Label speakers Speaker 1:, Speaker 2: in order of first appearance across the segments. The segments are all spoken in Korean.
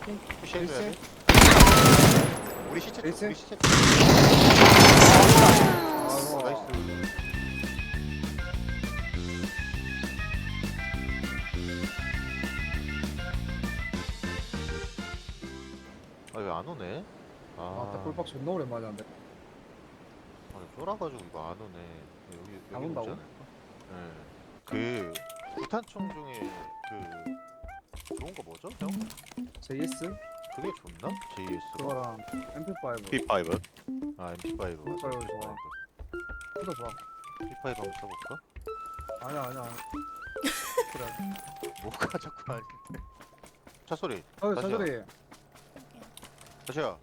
Speaker 1: 푸시해줘야 돼. 우리 시체 쪽,
Speaker 2: 에이스?
Speaker 1: 우리 시체 쪽.
Speaker 2: 아이고.
Speaker 1: 나이스. 아, 왜 안 오네?
Speaker 2: 아, 꿀박 존나 오랜만에 한대.
Speaker 1: 아니, 쫄아가지고 이거 안 오네.
Speaker 2: 안
Speaker 1: 여기
Speaker 2: 온다고?
Speaker 1: 오지 않을까? 네. 그 구탄총 중에 그 좋은 거 뭐죠, 형?
Speaker 2: JS?
Speaker 1: 그게 좋나? JS.
Speaker 2: 그거랑 MP5.
Speaker 3: P5
Speaker 1: 아, MP5 맞아.
Speaker 2: MP5 좋아. 그거 좋아.
Speaker 1: MP5 한번 써볼까?
Speaker 2: 아니야. 그래.
Speaker 1: 뭐가 자꾸 아닌데. 차 소리.
Speaker 2: 어,
Speaker 1: 다시야.
Speaker 2: 차소리.
Speaker 1: 다시야.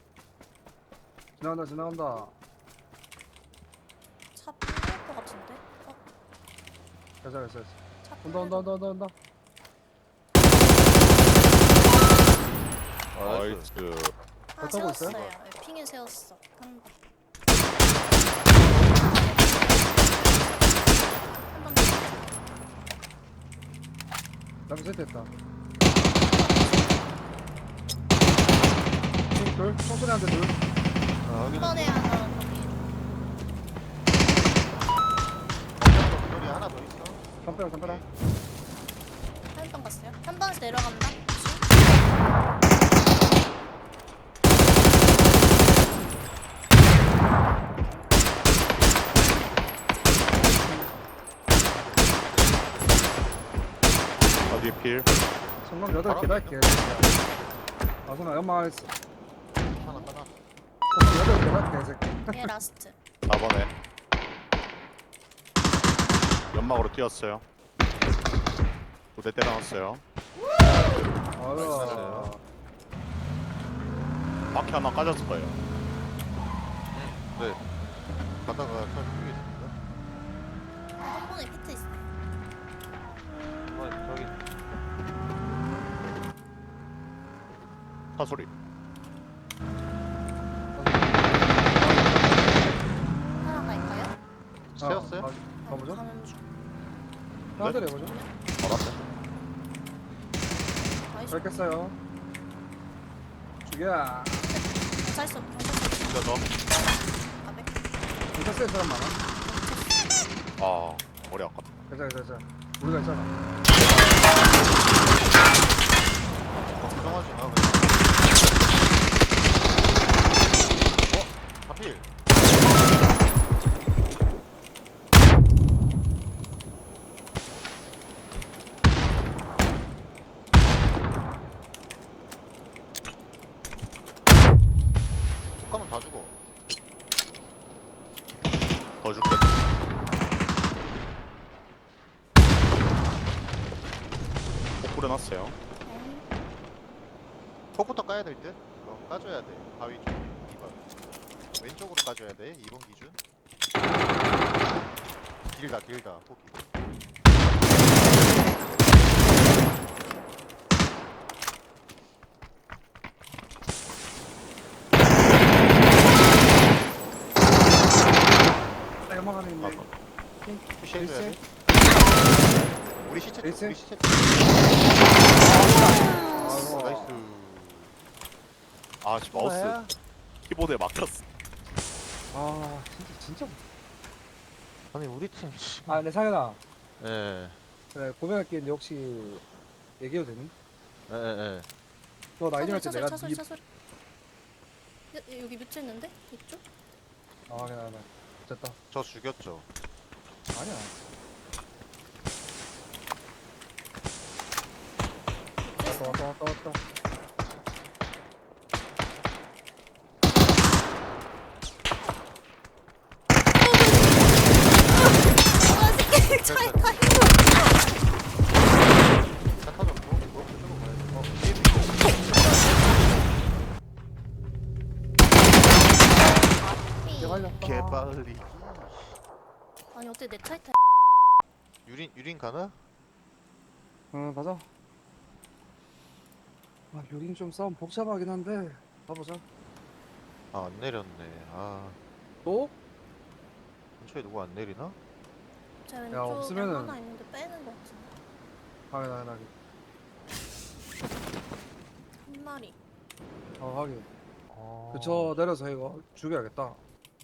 Speaker 2: 지나간다.
Speaker 4: 차 뿌릴 것 같은데?
Speaker 2: 됐어.
Speaker 4: 차
Speaker 2: 온다.
Speaker 3: 나이스.
Speaker 4: 하나
Speaker 2: 타고 있어요?
Speaker 4: 세웠어요. 네, 핑에 세웠어. 한번. 한번
Speaker 2: 나도 세트했다. 둘, 총소리한테 둘.
Speaker 1: 아, 확인했어.
Speaker 4: 번에 하나 거기.
Speaker 1: 소리 하나 더 있어.
Speaker 2: 담벼라.
Speaker 4: 한번 갔어요. 한 번에서 내려간다.
Speaker 3: 어디 필?
Speaker 2: 성남 8개
Speaker 1: 바로
Speaker 2: 달게. 아, 성남 연마 했어.
Speaker 1: 하나.
Speaker 2: 8개 달게, 이 새끼.
Speaker 4: 얘 라스트.
Speaker 3: 4번에 연막으로 뛰었어요. 부대 때려놨어요.
Speaker 2: 아유.
Speaker 3: 바퀴 하나 까졌을 거예요.
Speaker 1: 네. 가다가 차 죽이겠습니다.
Speaker 4: 한 번에 피트 있어.
Speaker 1: 저기
Speaker 3: 차 소리.
Speaker 4: 하나 갈까요?
Speaker 1: 세웠어요?
Speaker 2: 가보죠.
Speaker 4: 가는 중.
Speaker 2: 하나들 해보죠.
Speaker 3: 알았어요.
Speaker 4: 나이스.
Speaker 2: 뵙겠어요. 죽여.
Speaker 4: 경찰서.
Speaker 3: 뛰어서.
Speaker 4: 가백.
Speaker 2: 경찰서에 사람 많아.
Speaker 3: 아 머리 아깝다.
Speaker 2: 괜찮아. 우리가 있잖아.
Speaker 1: 걱정하지 마. 그냥. 하필. 독가면 다 죽어.
Speaker 3: 더 죽겠다. 꼭 뿌려놨어요.
Speaker 1: 폭부터 까야 될 듯? 까줘야 돼. 바위 쪽 2번. 왼쪽으로 까줘야 돼. 2번 기준. 길다. 폭이.
Speaker 2: 연막 안에 있네.
Speaker 1: 푸시해줘야 돼. 우리 시체 쪽,
Speaker 2: 에이스?
Speaker 1: 우리 시체 쪽.
Speaker 2: 아이고.
Speaker 1: 나이스.
Speaker 3: 아 지금 마우스 키보드에 막혔어.
Speaker 2: 아, 진짜.
Speaker 1: 아니 우리 팀.
Speaker 2: 아, 네, 상현아.
Speaker 1: 예.
Speaker 2: 그래, 고백할 게 있는데 혹시 얘기해도 되니?
Speaker 1: 예.
Speaker 2: 너 라이딩 할 때 내가
Speaker 4: 차소리. 여기 뮤트 있는데? 이쪽?
Speaker 2: 아, 그냥 됐다.
Speaker 1: 저 죽였죠.
Speaker 2: 아니야. 왔다.
Speaker 4: 차에 타.
Speaker 1: 차 터졌고. 그쪽으로 가야 돼.
Speaker 2: 개발렸다.
Speaker 1: 개빨리.
Speaker 4: 아니 어떻게 내 차에 타?
Speaker 1: 유린 가나?
Speaker 2: 응, 가자. 아, 여긴 좀 싸움 복잡하긴 한데 가보자.
Speaker 1: 아, 안 내렸네. 아,
Speaker 2: 또?
Speaker 1: 근처에 누구 안 내리나?
Speaker 4: 제 왼쪽에
Speaker 2: 없으면은-
Speaker 4: 하나 있는데 빼는 거 같은데.
Speaker 2: 당연하게.
Speaker 4: 한 마리.
Speaker 2: 확인.
Speaker 1: 어...
Speaker 2: 저 내려서 이거 죽여야겠다.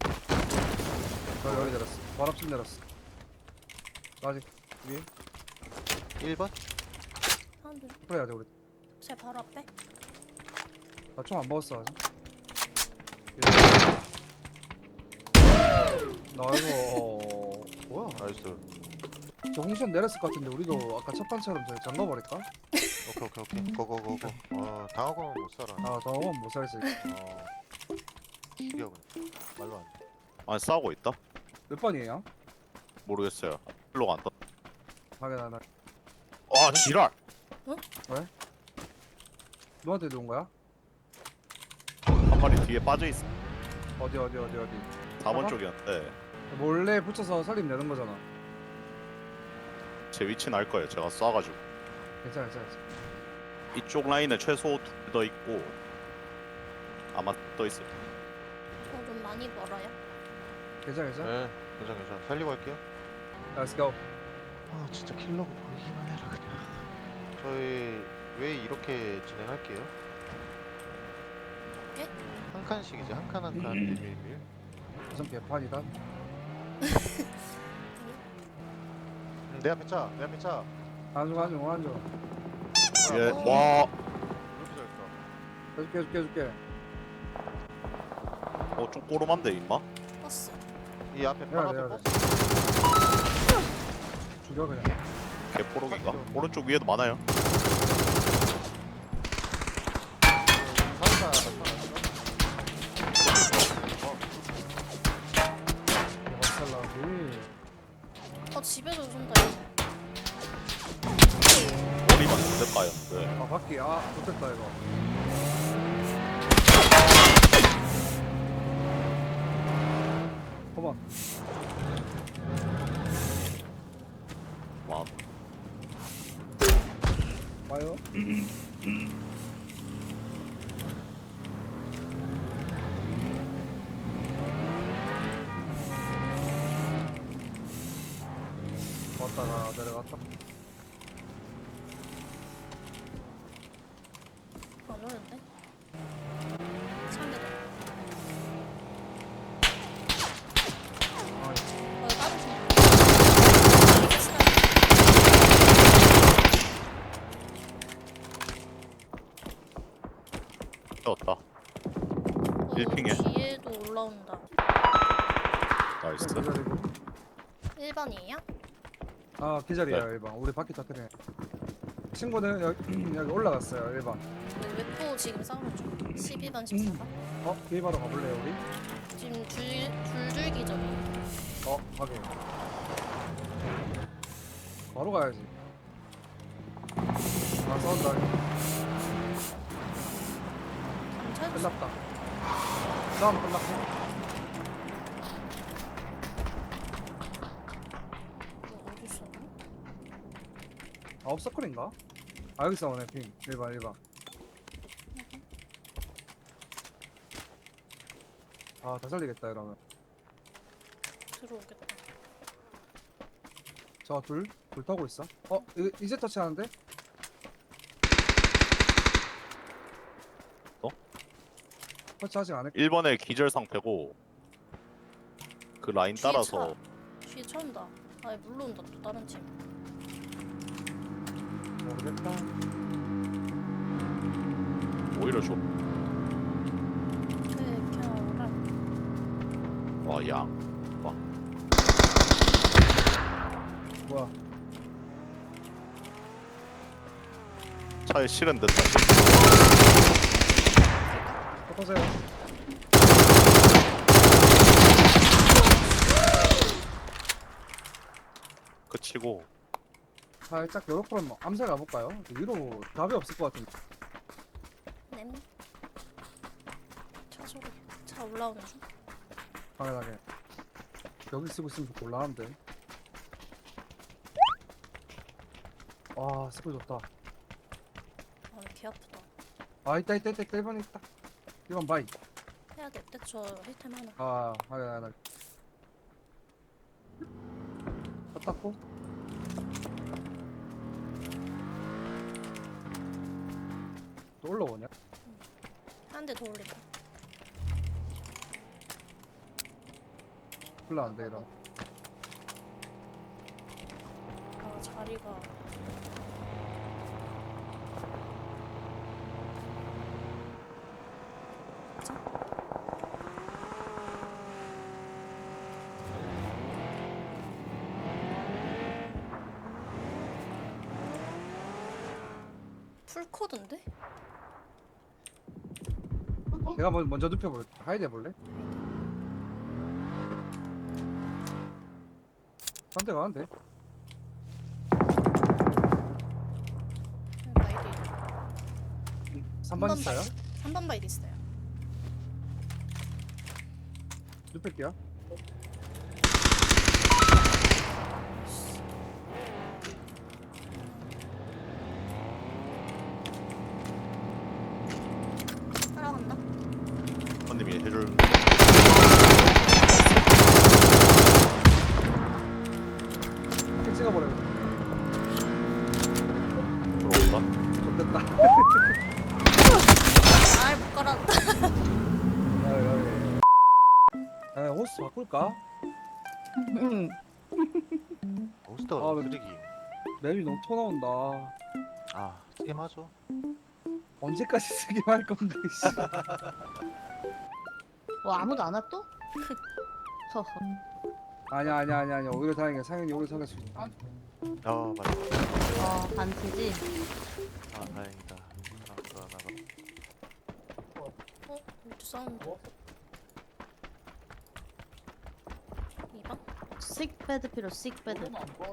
Speaker 2: 여기 내렸어. 바로 앞집 내렸어. 아직 위에
Speaker 1: 1번?
Speaker 4: 사람들
Speaker 2: 그래야 돼 우리.
Speaker 4: 제 바로 앞에.
Speaker 2: 나 총 안 먹었어 아직. 나 이거 뭐야?
Speaker 1: 나이스.
Speaker 2: 저 홍시현 내렸을 것 같은데 우리도 아까 첫 판처럼 저기 잠가버릴까?
Speaker 1: 오케이. 고고고고. 당하고는 못 살아.
Speaker 2: 아 저건 못 살지.
Speaker 1: 죽여 그냥. 말로 안 돼.
Speaker 3: 아니 싸우고 있다?
Speaker 2: 몇 번이에요?
Speaker 3: 모르겠어요. 일로 간다.
Speaker 2: 확인하나.
Speaker 3: 아 지랄!
Speaker 2: 누구한테 누운 거야?
Speaker 3: 한 마리 뒤에 빠져있어.
Speaker 2: 어디?
Speaker 3: 4번
Speaker 2: 봐봐.
Speaker 3: 쪽이었는데
Speaker 2: 몰래 붙여서 살림 내는 거잖아.
Speaker 3: 제 위치는 알 거예요. 제가 쏴가지고.
Speaker 2: 괜찮아.
Speaker 3: 이쪽 라인에 최소 2 더 있고 아마 떠 있을 거예요.
Speaker 4: 좀 많이 멀어요.
Speaker 2: 괜찮아.
Speaker 1: 네, 괜찮아. 살리고 할게요.
Speaker 2: Let's go.
Speaker 1: 진짜 킬러고 보이기만 해라 그냥. 저희 왜 이렇게 진행할게요?
Speaker 4: 예?
Speaker 1: 한 칸씩이지 한 칸 1밀밀.
Speaker 2: 무슨 개판이다.
Speaker 1: 내 앞에 차.
Speaker 2: 안줘.
Speaker 3: 예,
Speaker 1: 어.
Speaker 3: 와,
Speaker 1: 이렇게 잘했어.
Speaker 2: 해줄게.
Speaker 3: 좀 꼬름한데 임마?
Speaker 4: 버스.
Speaker 1: 이 앞에
Speaker 2: 야,
Speaker 1: 바로
Speaker 2: 야,
Speaker 1: 앞에
Speaker 2: 야.
Speaker 1: 버스.
Speaker 2: 죽여 그냥.
Speaker 3: 개포록인가? 오른쪽 위에도 많아요.
Speaker 2: 박살나지.
Speaker 4: 집에서 쏜다.
Speaker 3: 머리만 됐다요. 네.
Speaker 2: 바퀴. 좋겠다 이거. 컴온.
Speaker 3: 와,
Speaker 2: 와요. 왔다가 내려갔다.
Speaker 4: 안 오는데? 차한대 더. 다른 중.
Speaker 3: 떴다. 1핑에?
Speaker 4: 뒤에도 올라온다.
Speaker 3: 나이스.
Speaker 2: 기다리고.
Speaker 4: 1번이에요?
Speaker 2: 기자리야
Speaker 3: 네.
Speaker 2: 1번. 우리 바퀴 터트려. 친구는 여기 올라갔어요 1번.
Speaker 4: 웨포 지금 싸우는 중. 12번 14번.
Speaker 2: 뒤에 바로 가볼래요 우리?
Speaker 4: 지금 줄줄기적이.
Speaker 2: 확인. 바로 가야지. 싸운다.
Speaker 4: 경찰
Speaker 2: 끝났다. 싸움 끝났고.
Speaker 4: 어디 있어?
Speaker 2: 업서클인가? 여기 싸우네 핑. 1번. 다 살리겠다 이러면.
Speaker 4: 들어오겠다.
Speaker 2: 둘 타고 있어. 이제 터치하는데? 터치하지 않을.
Speaker 3: 1번에 기절 상태고 그 라인
Speaker 4: 뒤에
Speaker 3: 따라서
Speaker 4: 뒤에 차 온다. 물러온다 또 다른 팀.
Speaker 2: 모르겠다.
Speaker 3: 오히려 좋.
Speaker 4: 그냥
Speaker 3: 와, 양.
Speaker 2: 뭐야?
Speaker 3: 차에 실은 듯한.
Speaker 2: 터세요.
Speaker 3: 그치고
Speaker 2: 살짝 요렇게 한번 암살 가볼까요? 위로 답이 없을 것 같은데.
Speaker 4: 냄. 차 소리. 차 올라오는 중.
Speaker 2: 당연하게. 여기 쓰고 있으면 곤란한데. 스킬 좋다.
Speaker 4: 개 아프다.
Speaker 2: 있다. 1번 있다. 1번 바이.
Speaker 4: 해야 될 때 저 힐템 하나.
Speaker 2: 하나. 땄고. 또 올라오냐?
Speaker 4: 한 대 더 올린다.
Speaker 2: 별로 안 돼, 이러.
Speaker 4: 아 자리가. 풀코드인데?
Speaker 2: 내가 먼저 눕혀볼게. 하이드 해볼래? 한 대가 안 돼.
Speaker 4: 바이디.
Speaker 2: 3번 있어요?
Speaker 4: 3번 바이디 있어요.
Speaker 2: 눕힐게요.
Speaker 4: 따라간다.
Speaker 3: 선님이 해줄
Speaker 2: 이렇게 찍어버려.
Speaker 3: 들어온다.
Speaker 2: 좋됐다.
Speaker 4: 아못 깔았다.
Speaker 2: 야, 호스 바꿀까?
Speaker 1: 몬스터
Speaker 2: 아,
Speaker 1: 쓰레기.
Speaker 2: 맵이 너무 토 나온다.
Speaker 1: 아 게임하죠.
Speaker 2: 언제까지 쓰기만 할 건데, 씨.
Speaker 5: 아무도 안 왔어? 허허.
Speaker 2: 아니야. 오히려 다행이야. 상현이 오히려 상했어.
Speaker 1: 아 맞다.
Speaker 5: 반티지?
Speaker 1: 아 다행이다. 나가.
Speaker 4: 어? 이렇게 사운드. 2번?
Speaker 5: 식배드 필요, 식배드.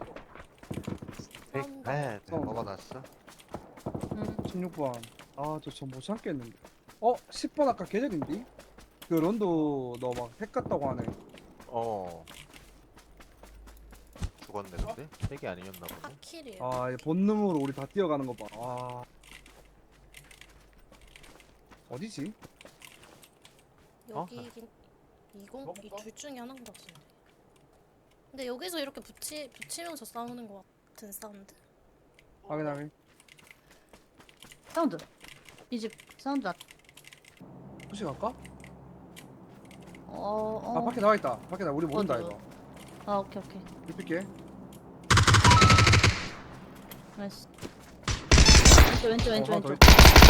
Speaker 1: 네,
Speaker 2: 사운드.
Speaker 1: 먹어놨어.
Speaker 5: 응.
Speaker 2: 16번. 아, 저 못 참겠는데. 10번 아까 계절인데? 그 런도 너 막 핵 같다고 하네.
Speaker 1: 죽었네 근데 핵이 아니었나 보네.
Speaker 4: 하킬이에요.
Speaker 2: 아, 이 본능으로 우리 다 뛰어가는 거 봐. 아. 어디지?
Speaker 4: 여기긴 20? 이 둘 중에 하나인 것 같은데. 근데 여기서 이렇게 붙이면서 싸우는 것 같은 사운드?
Speaker 2: 확인하게.
Speaker 5: 사운드. 이 집 사운드
Speaker 2: 혹시 갈까?
Speaker 5: 어.
Speaker 2: 아, 밖에 나와 있다. 밖에 우리 모른다,
Speaker 5: 어디요?
Speaker 2: 이거.
Speaker 5: 아, 오케이.
Speaker 2: 눕힐게.
Speaker 5: 나이스. 왼쪽.
Speaker 2: 하나 더 있다.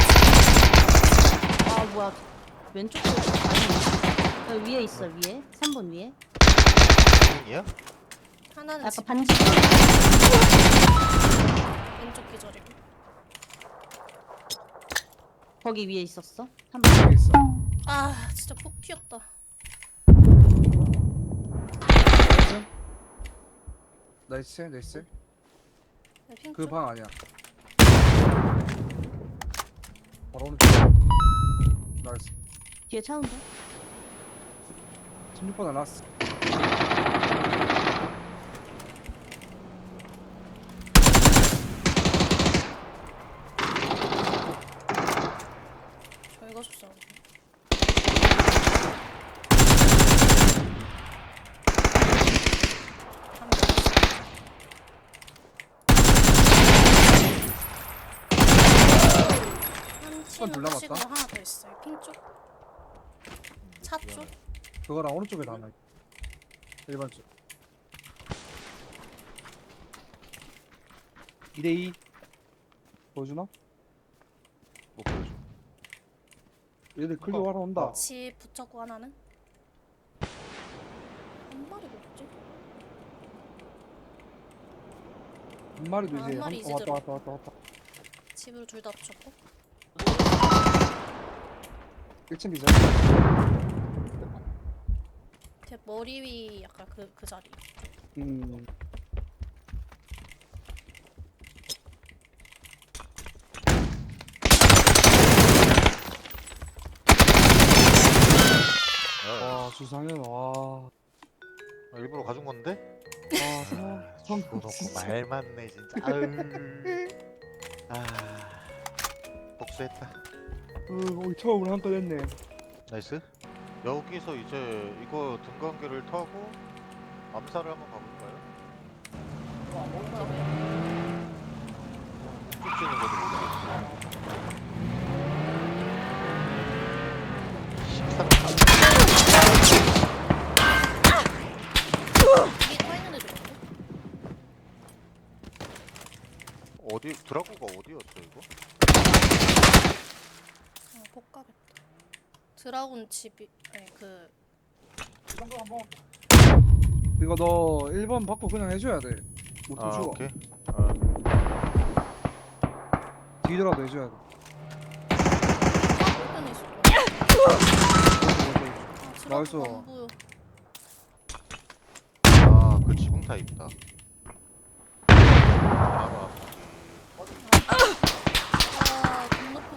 Speaker 5: 아, 뭐야. 왼쪽도 아니. 여기 위에 있어, 위에. 3번 위에.
Speaker 1: 핵이야?
Speaker 4: 하나는
Speaker 5: 약간
Speaker 4: 집
Speaker 5: 반지.
Speaker 4: 왼쪽 기절이고.
Speaker 5: 거기 위에 있었어. 3번.
Speaker 2: 여기 있어.
Speaker 4: 아 진짜 폭 튀었다.
Speaker 2: 나이스.
Speaker 4: 네, 핑
Speaker 2: 그
Speaker 4: 쪽.
Speaker 2: 방 아니야. 바로 오른쪽. 나이스.
Speaker 5: 뒤에 차 온다.
Speaker 2: 16번 안 왔어.
Speaker 4: 저희가 줬어.
Speaker 2: 번 둘 남았다?
Speaker 4: 하시고 하나 더 있어요. 핑 쪽. 차 쪽.
Speaker 2: 그거랑 오른쪽에 다 하나. 1번 쪽. 2대2. 보여주나?
Speaker 1: 못 보여줘.
Speaker 2: 얘들 클리어 하러 온다.
Speaker 4: 집 붙였고 하나는. 한 마리 뭐지?
Speaker 2: 한 마리도
Speaker 4: 한
Speaker 2: 이제
Speaker 4: 마리 이제
Speaker 2: 왔다.
Speaker 4: 집으로 둘 다 붙였고.
Speaker 2: 1층 기절.
Speaker 4: 제 머리 위 약간 그 자리.
Speaker 2: 음. 와, 주상현, 와.
Speaker 1: 일부러 가준 건데?
Speaker 2: 성
Speaker 1: 죽어놓고 말 많네 진짜. 아유. 아 복수했다.
Speaker 2: 우리 처음으로 한 건 했네.
Speaker 1: 나이스. 여기서 이제 이거 등관계를 타고 암살을 한번 가볼까요? 쭉 지는 것도 모르겠어. 드라고가 어디였어 이거?
Speaker 4: 못 가겠다. 드라군 집이 아니 그
Speaker 2: 이거 너 1번 받고 그냥 해줘야 돼. 못
Speaker 1: 아
Speaker 2: 죽어.
Speaker 1: 오케이.
Speaker 2: 뒤더라도 해줘야 돼.
Speaker 4: 화면에 있을 거야. 아,
Speaker 2: 나이스.
Speaker 4: 드라군 안 보여.
Speaker 1: 아그 지붕 타입이다. 바로 앞에.
Speaker 4: 아, 건너편.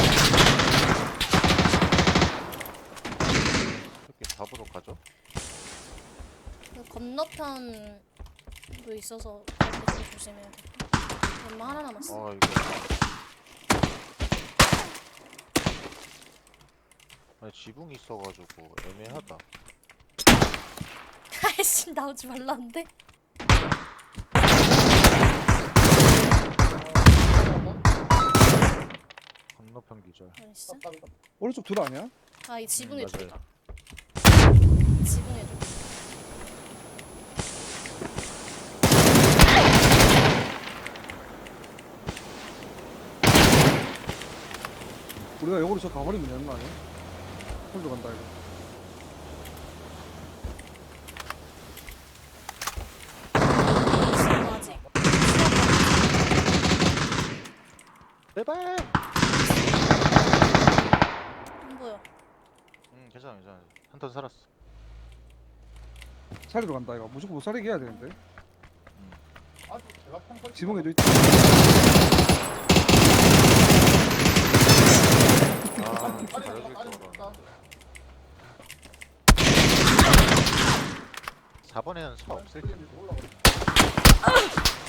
Speaker 1: 이렇게 잡으러 가죠?
Speaker 4: 그 건너편도 있어서 그렇게 좀 조심해야 돼. 엄마 하나 남았어.
Speaker 1: 아 이거. 아니 지붕이 있어가지고 애매하다.
Speaker 4: 아이씨 나오지 말라는데.
Speaker 1: 건너편 기절.
Speaker 4: 나이스.
Speaker 2: 오른쪽 둘 아니야?
Speaker 4: 아, 이 지붕에
Speaker 1: 맞아요.
Speaker 4: 둘이다. 지붕에 둘.
Speaker 2: 우리가 역으로 저 가버리면 되는 거 아니야? 홀로 간다 이거.
Speaker 4: 지금 아직.
Speaker 1: 제발.
Speaker 4: 안 보여.
Speaker 1: 괜찮아 괜찮아. 한 턴 살았어.
Speaker 2: 살리러 간다 이거. 무조건 못 살리게 해야 되는데.
Speaker 6: 아, 제가 평소
Speaker 2: 지붕에도 있다.
Speaker 1: 아 잘해줄 줄 알았는데. 4번에는 차 없을 텐데.